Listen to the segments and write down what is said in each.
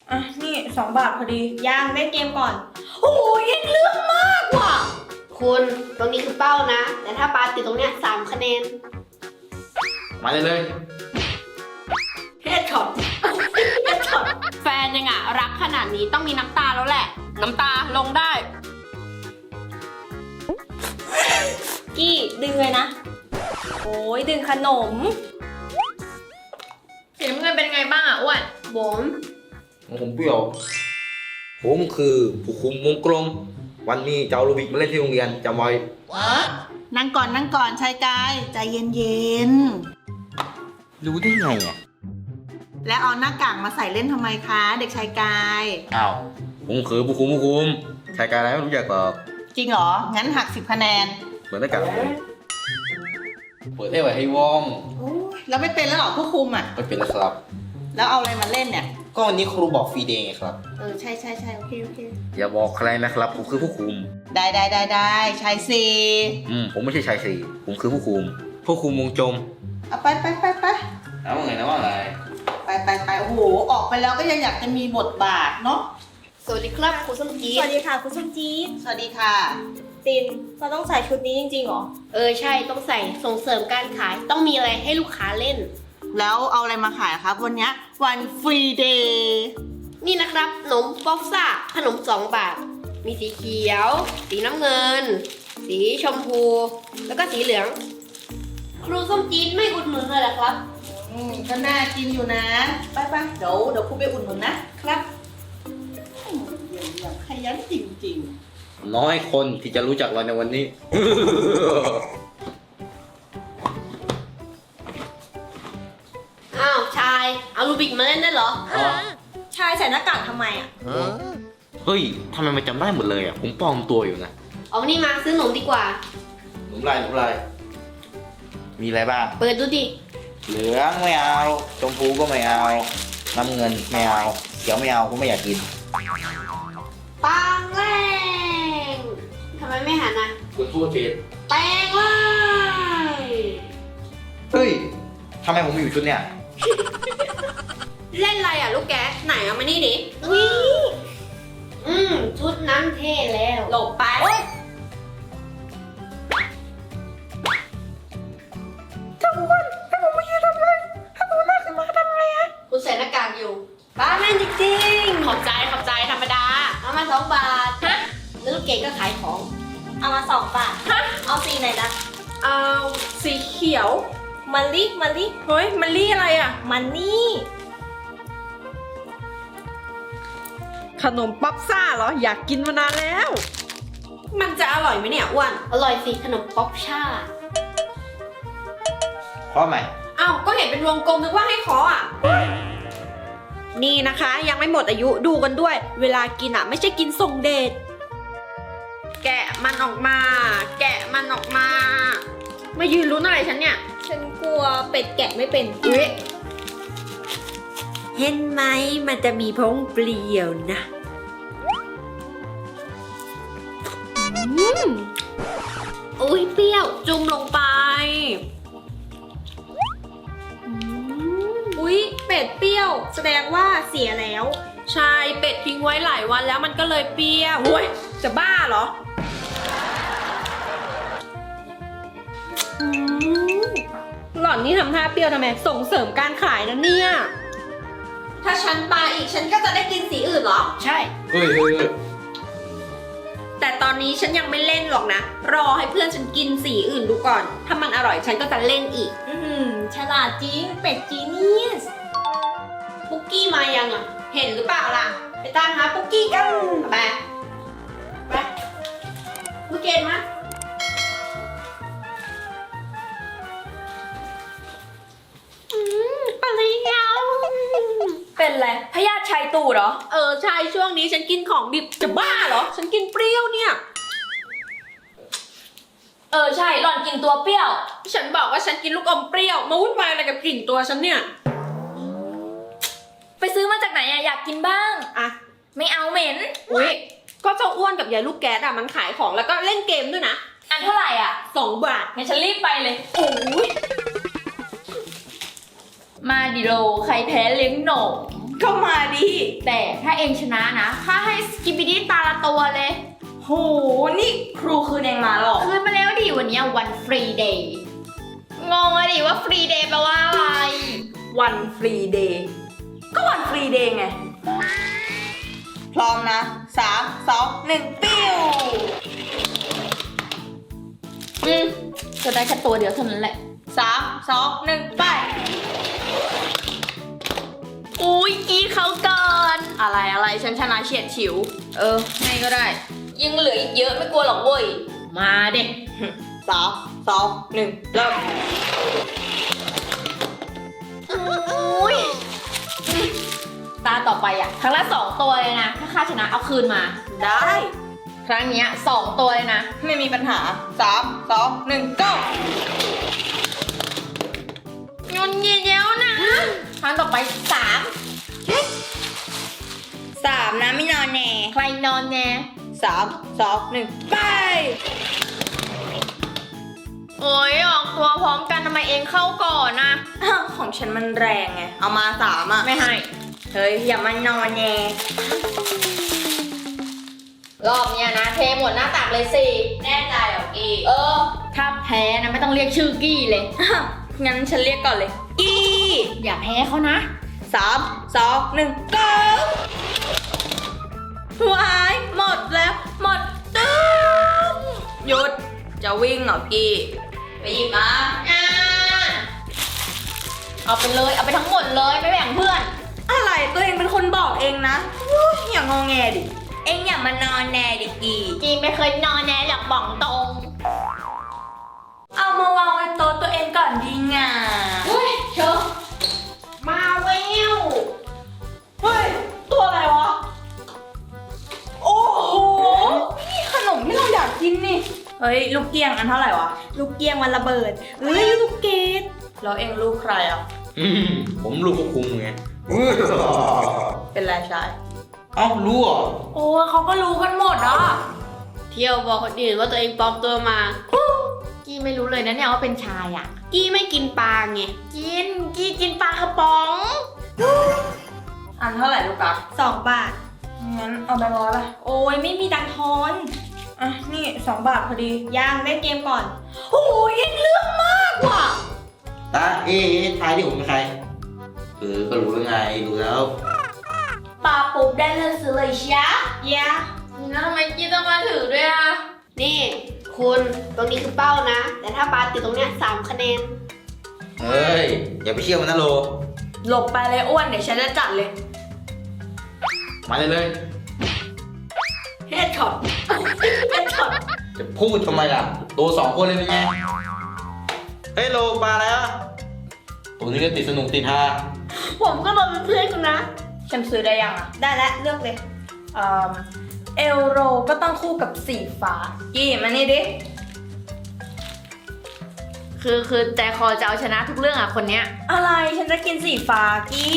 อ่ะนี่2 บาทพอดีย่างเล่นเกมก่อนโอ้ยยังเรื่องมากว่ะคุณตรงนี้คือเป้านะ แต่ถ้าปาติดตรงเนี้ย3 คะแนนมาเลยเฮดช็อตเฮดช็อตแฟนยังอ่ะรักขนาดนี้ต้องมีน้ำตาแล้วแหละ น้ำตาลงได้กี้ดึงเลยนะโอ้ยดึงขนมสีน้ำเงินเป็นไงบ้างอ่ะอ้วนบมผมเปรี้ยว ผมคือผู้คุมวงกลม วันนี้จะเอาลูบิกมาเล่นที่โรงเรียนจำไว้นั่งก่อนชายกายใจเย็นรู้ได้ไงอ่ะๆ แล้วเอาหน้ากากมาใส่เล่นทำไมคะ เด็กชายกายอ้าวผมคือผู้คุมชายการอะไรไม่รู้จักหรอกจริงเหรอ งั้นหัก10 คะแนนเหมือนหน้ากากผมเปิดให้ไว้ให้ว่องโอ้ยแล้วไม่เป็นแล้วเหรอผู้คุมอ่ะไม่เป็นแล้วครับแล้วเอาอะไรมาเล่นเนี่ยก็วันนี้ครูบอกฟรีเดย์ไงครับใช่โอเคอย่าบอกใครนะครับผมคือผู้คุมได้ชายซีผมไม่ใช่ชายสี่ผมคือผู้คุมวงจมเอาไปเอาไงนะว่าไงไปโอ้โห ออกไปแล้วก็ยังอยากจะมีบทบาทเนาะสวัสดีครับครูส้มจี๊สวัสดีค่ะคุณส้มจี๊ดสวัสดีค่ะตินเราต้องใส่ชุดนี้จริงๆเหรอใช่ต้องใส่ส่งเสริมการขายต้องมีอะไรให้ลูกค้าเล่นแล้วเอาอะไรมาขายครับวันเนี้ยวันฟรีเดย์นี่นะครับขนมป๊อปซ่าขนม2 บาท มีสีเขียว สีน้ำเงิน สีชมพู แล้วก็สีเหลือง ครูส้มจี๊ดไม่อุดหนุนเลยเหรอครับก็น่ากินอยู่นะ ไปเดี๋ยวครูไปอุ่นหนุนนะครับเยี่ยมขยันจริงๆน้อยคนที่จะรู้จักเราในวันนี้อ้าวชายเอาลูบิกมาเล่นได้เหรอชายใส่หน้ากากทำไมอ่ะเฮ้ยทำไมมันจำได้หมดเลยอ่ะ ผมปลอมตัวอยู่นะเอานี่มาซื้อขนมดีกว่าหนุ่มลายมีอะไรบ้างเปิดดูดิเหลืองไม่เอา ชมพูก็ไม่เอา น้ำเงินไม่เอา เขียวไม่เอาผมไม่อยากกินปังแรงทำไมไม่หันอ่ะคุณพูดผิดแปลงเลยเฮ้ยทำไมผมมีอยู่ชุดเนี่ยเล่นอะไรอ่ะลูกแกะไหนเอามานี่ดิชุดนั้นเท่แล้วหลบไปคุณใส่หน้ากากอยู่บ้าแม่นจริงๆขอบใจธรรมดา เอามา2 บาท ฮะ แล้วลูกเกดก็ขายของเอามา2 บาทเอาสีไหนนะเอาสีเขียวมันลี่เฮ้ยมันลี่อะไรอ่ะมันนี่ขนมป๊อปซ่าเหรอ อยากกินมานานแล้ว มันจะอร่อยไหมเนี่ยอ้วนอร่อยสิขนมป๊อปช่าเพราะไหมอ้าว ก็เห็นเป็นวงกลมนึกว่าให้เคาะอ่ะ นี่นะคะ ยังไม่หมดอายุดูกันด้วย เวลากินอ่ะ ไม่ใช่กินส่งเดช แกะมันออกมา มายืนลุ้นอะไรฉันเนี่ยฉันกลัวเป็ดแกะไม่เป็นอุ๊ยเห็นไหมมันจะมีพงเปลี่ยวนะอุ้ยเปรี้ยวจุ่มลงไปอุ๊ยเป็ดเปรี้ยว แสดงว่าเสียแล้วใช่เป็ดทิ้งไว้หลายวันแล้วมันก็เลยเปรี้ยวโอ้ยจะบ้าเหรอหล่อนนี่ทำท่าเปรี้ยวทำไมส่งเสริมการขายนะเนี่ยถ้าฉันปาอีกฉันก็จะได้กินสีอื่นเหรอใช่เฮ้ยแต่ตอนนี้ฉันยังไม่เล่นหรอกนะ รอให้เพื่อนฉันกินสีอื่นดูก่อน ถ้ามันอร่อยฉันก็จะเล่นอีกฉลาดจริง เป็ดจีเนียสปุกกี้มายังอ่ะเห็นหรือเปล่าล่ะไปตามหาปุกกี้กันไปลูกเกดมาปริยาเป็นไรพยาธิชัยตูดเหรอใช่ช่วงนี้ฉันกินของดิบจะบ้าเหรอ ฉันกินเปรี้ยวเนี่ยใช่หล่อนกินตัวเปรี้ยวฉันบอกว่าฉันกินลูกอมเปรี้ยว มาวุ่นวายอะไรกับกลิ่นตัวฉันเนี่ยไปซื้อมาจากไหนอะอยากกินบ้างอ่ะไม่เอาเหม็นอุ๊ย ก็เจ้าอ้วนกับยายลูกแก๊สอ่ะมันขายของแล้วก็เล่นเกมด้วยนะอันเท่าไหร่อะ 2 บาทงั้นฉันรีบไปเลยโอ้ยมาดิโลใครแพ้เลี้ยงหนมก็มาดิแต่ถ้าเองชนะนะข้าให้สกิปปิดี้ตาละตัวเลยโห นี่ครูคืนเองมาหรอคืนมาแล้วดิวันนี้วันฟรีเดย์งงอะดิว่าฟรีเดย์แปลว่าอะไรวันฟรีเดย์ ก็วันฟรีเดย์ไง พร้อมนะ 3 2 1 ปิ้วจะได้แค่ตัวเดียวเท่านั้นแหละ 3 2 1 ไปอุ้ยกี้เขาก่อนอะไรฉันชนะเฉียดฉิวให้ก็ได้ ยังเหลืออีกเยอะไม่กลัวหรอกเว้ย มาเด็ก 3 2 1 เริ่มอุ้ยตาต่อไปอ่ะ ครั้งละ2 ตัวเลยนะ ถ้าข้าชนะเอาคืนมาได้ครั้งเนี้ย2 ตัวเลยนะไม่มีปัญหา 3 2 1 go ยุนยินเย้วนะ ครั้งต่อไป3 3 นะไม่นอนแน่ใครนอนแน่ 3 2 1 ไปโอ้ยออกตัวพร้อมกันทำไมเองเข้าก่อนนะของฉันมันแรงไง เอามา 3 อ่ะไม่ให้เฮ้ย อย่ามานอนแน่รอบเนี้ยนะ เทหมดหน้าตักเลยสิแน่ใจเหรอกี้ถ้าแพ้นะไม่ต้องเรียกชื่อกี้เลยงั้นฉันเรียกก่อนเลย กี้อย่าแพ้เขานะ 3 2 1 go วายหมดแล้ว หมดตึ้งหยุด จะวิ่งเหรอกี้ ไปหยิบมาเอาไปเลย เอาไปทั้งหมดเลยไม่แบ่งเพื่อนอะไรตัวเองเป็นคนบอกเองนะอุ๊ยอย่างงอแงดิ เองอย่ามานอนแน่ดิกี้จีไม่เคยนอนแน่หรอกบอกตรงเอามาวางไว้โต๊ะตัวเองก่อนดีง่ะเฮ้ยเชอะมาเวลเฮ้ย ตัวอะไรวะ โอ้โห นี่ขนมที่เราอยากกินนี่ เฮ้ย ลูกเกียงอันเท่าไหร่วะ ลูกเกียงวันระเบิด เฮ้ย ลูกเกดแล้วเองลูกใครอ่ะผมลูกควบคุมไงเป็นไรชายเอ้ารู้เหรอโอ้เขาก็รู้กันหมดอ่ะเที่ยวบอกคนอื่นว่าตัวเองปลอมตัวมากี้ไม่รู้เลยนะเนี่ยว่าเป็นชายอ่ะกี้ไม่กินปลาไงกี้กินปลากระป๋องอันเท่าไหร่ลูกอะ2 บาท งั้นเอาไปร้อยป่ะ โอ้ยไม่มีตังค์ทอนอ่ะ นี่2 บาทพอดีย่างเล่นเกมก่อน โอ้ยเอ็งเรื่องมากว่ะตาทายที่ผมเป็นใคร ก็รู้แล้วไง รู้แล้วปาปุ๊บได้เลือกซื้อเลยช้ายะแล้วทำไมกี้ต้องมาถือด้วยอ่ะนี่คุณตรงนี้คือเป้านะ แต่ถ้าปลาติดตรงเนี้ย3 คะแนนเฮ้ย อย่าไปเชื่อมันนะโลหลบไปเลยอ้วน เดี๋ยวฉันจะจัดเลยมาเลยเฮดช็อต เฮดช็อตจะพูดทำไมล่ะ ตัว2 คนเลยเป็นไง เฮ้ยโลมาแล้วตัวนี้ก็ติดสนุกติดฮาผมก็มาเป็นเพื่อนคุณนะฉันซื้อได้ยังอ่ะ ได้แล้วเลือกเลยเอลโรก็ต้องคู่กับสีฟ้า กี่มานี่ดิคือใจคอจะเอาชนะทุกเรื่องอ่ะคนเนี้ยอะไร ฉันจะกินสีฟ้ากี้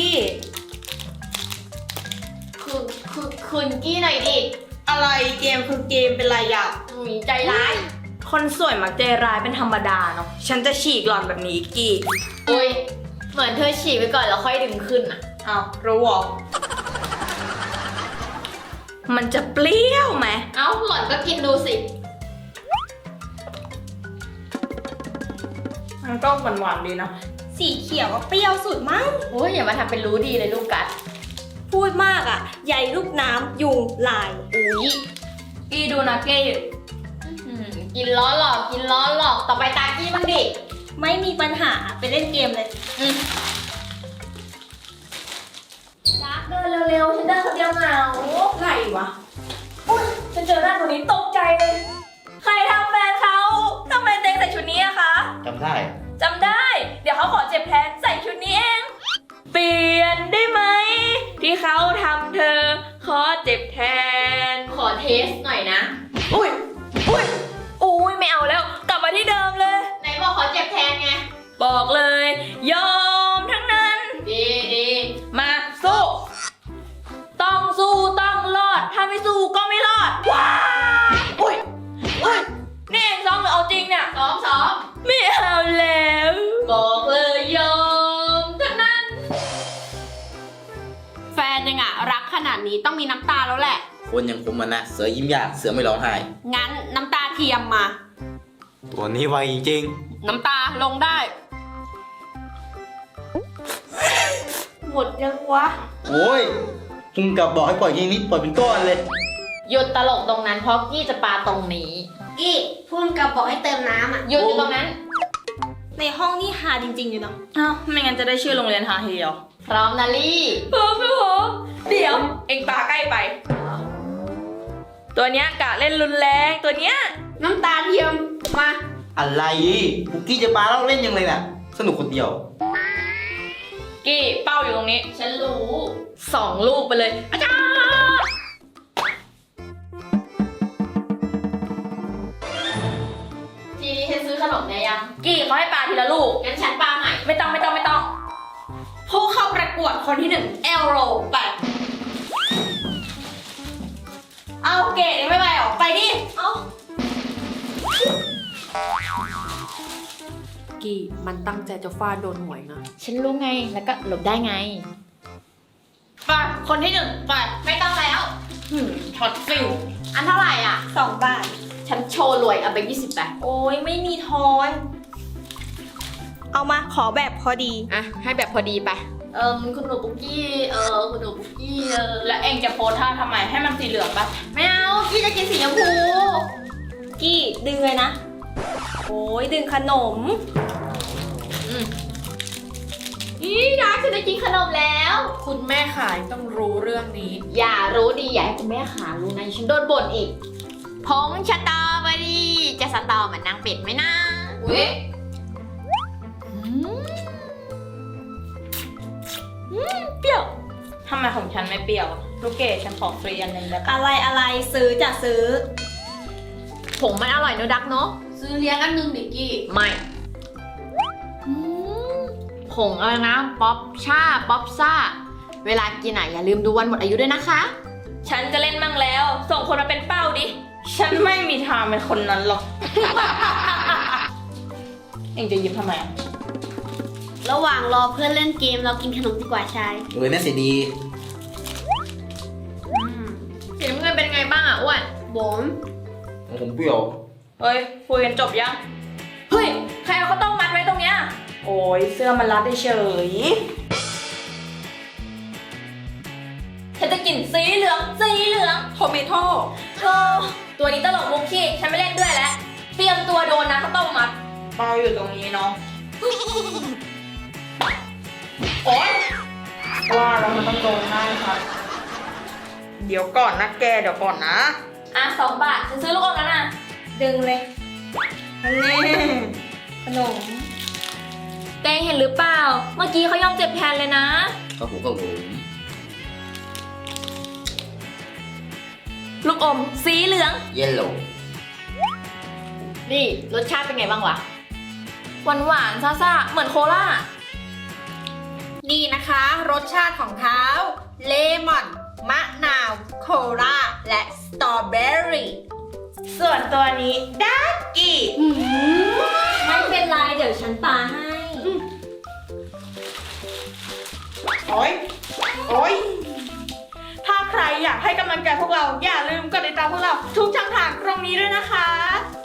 คืนกี้หน่อยดิอะไรเกมคือเกมเป็นไรอ่ะหมีใจร้ายคนสวยมักใจร้ายเป็นธรรมดาเนาะ ฉันจะฉีกหล่อนแบบนี้กี้อุ้ย เหมือนเธอฉีกไปก่อนแล้วค่อยดึงขึ้นอ่ะอ้าวรู้หรอ มันจะเปรี้ยวไหมเอ้าหล่อนก็กินดูสิมันก็หวานๆดีนะ สีเขียวก็เปรี้ยวสุดมั้งโอ้ยอย่ามาทำเป็นรู้ดีเลยลูกกัดพูดมากอ่ะ ใหญ่ลูกน้ำยุงลายอุ้ยกี้ดูนะกี้กินล้อหลอกกินล้อหลอกต่อไปตากี้บ้างดิไม่มีปัญหาไปเล่นเกมเลยรักเดินเร็วๆฉันเดินคนเดียวเหงาไหนวะอุ้ยฉันเจอหน้าคนนี้ตกใจเลย ใครทำแฟนเขาทำไมเต็งใส่ชุดนี้อะคะจำได้จำได้ เดี๋ยวเขาขอเจ็บแทนใส่ชุดนี้เอง เปลี่ยนได้ไหม ที่เขาทำเธอ ขอเจ็บแทนขอเทสหน่อยนะอุ้ยไม่เอาแล้ว กลับมาที่เดิมเลยไหนบอกขอเจ็บแทนไงบอกเลย ยอมทั้งนั้นดีมาสู้ ต้องสู้ต้องรอด ถ้าไม่สู้ก็ไม่รอด ว้าวอุ้ยนี่เองซ้อมหรือเอาจริงเนี่ยซ้อมไม่เอาแล้วบอกเลยยอมทั้งนั้นแฟนยังอะรักขนาดนี้ต้องมีน้ำตาแล้วแหละคนอย่างผมมันนะ เสือยิ้มยาก เสือไม่ร้องไห้งั้นน้ำตาเทียมมาตัวนี้ไวจริงน้ำตาลงได้หมดยังวะโอ้ยคุณกลับบอกให้ปล่อยทีนี้ปล่อยเป็นก้อนเลยหยุดตลกตรงนั้นเพราะกี้จะปาตรงนี้กี้พุ่มกับบอกให้เติมน้ำอ่ะหยุดอยู่ตรงนั้นในห้องนี่ฮาจริงๆอยู่เนาะอ้าวไม่งั้นจะได้ชื่อโรงเรียนฮาทีเดียวพร้อมนะลี่พร้อมเดี๋ยว เอ็งปาใกล้ไป ตัวเนี้ยกะเล่นรุนแรงตัวเนี้ยน้ำตาเทียมมาอะไรคุกกี้จะปาแล้วเล่นยังไงน่ะ สนุกคนเดียวกี้เป้าอยู่ตรงนี้ฉันรู้ 2 ลูกไปเลยอาจารย์ทีนี้ฉันซื้อขนมได้ยังกี้เขาให้ปาทีละลูกงั้นฉันปาใหม่ไม่ต้องผู้เข้าประกวดคนที่1เอลโรไป เอาเกรดยังไม่ไปหรอไปดิ เอากี่มันตั้งใจจะฟาดโดนหวยนะฉันรู้ไง แล้วก็หลบได้ไงไปคนที่1ไปไม่ต้องแล้วช็อตฟิลอันเท่าไหร่อ่ะ 2 บาทฉันโชว์รวยเอาไป20 บาทโอ้ยไม่มีทอน เอามาขอแบบพอดีอ่ะ ให้แบบพอดีไปคุณหนูปุกกี้ คุณหนูปุกกี้แล้วเองจะโพสท่าทำไมให้มันสีเหลืองปะไม่เอา กี้จะกินสีชมพูกี้ดึงเลยนะ โอ้ยดึงขนมอีรักฉันจะกินขนมแล้วคุณแม่ขายต้องรู้เรื่องนี้อย่ารู้ดีอย่าให้คุณแม่ขารู้นะฉันโดนบ่นอีกผงสตรอเบอรี่จะสตอเหมือนนางเป็ดไหมนะอุ้ยเปรี้ยวทำไมของฉันไม่เปรี้ยว ลูกเกดฉันขอฟรีอันหนึ่งได้ปะอะไรซื้อจะซื้อผงมันอร่อยเนอะดักเนาะซื้อเลี้ยงอันนึงดิกี้ไม่ผงอะไรนะ ป๊อปช่า ป๊อปซ่า เวลากินอ่ะอย่าลืมดูวันหมดอายุด้วยนะคะฉันจะเล่นมั่งแล้ว ส่งคนมาเป็นเป้าดิ ฉันไม่มีทางเป็นคนนั้นหรอก เองจะยิ้มทำไมอะระหว่างรอเพื่อนเล่นเกมเรากินขนมดีกว่าชายน่าเสียดีสีน้ำเงินเป็นไงบ้างอ่ะอ้วนบมของผมเปรี้ยวเฮ้ยคุยกันจบยัง เฮ้ย ใครเอาข้าวต้มมัดไว้ตรงเนี้ย โอ้ยเสื้อมันรัดเฉย ฉันจะกินสีเหลืองโทเมโต้ตัวนี้ตลกมุกขี้ฉันไม่เล่นด้วยแล้ว เตรียมตัวโดนนะข้าวต้มมัดเป้าอยู่ตรงนี้เนาะ โอ๊ยว่าแล้วมันต้องโดนหน้าครับ เดี๋ยวก่อนนะแกเดี๋ยวก่อนนะ อ่ะ2 บาทฉันซื้อลูกอมแล้วนะ ดึงเลยอันนี้ขนมแกเห็นหรือเปล่า เมื่อกี้เขายอมเจ็บแทนเลยนะครับผมลูกอมสีเหลืองเยลโล่นี่รสชาติเป็นไงบ้างวะหวานๆซ่าๆเหมือนโคลานี่นะคะ รสชาติของเขาเลมอน มะนาว โคลาและสตรอเบอรี่ส่วนตัวนี้ดักกี้ไม่เป็นไรเดี๋ยวฉันปาให้โอ๊ย ถ้าใครอยากให้กำลังใจพวกเรา อย่าลืมกดติดตามพวกเราทุกช่องทางตรงนี้ด้วยนะคะ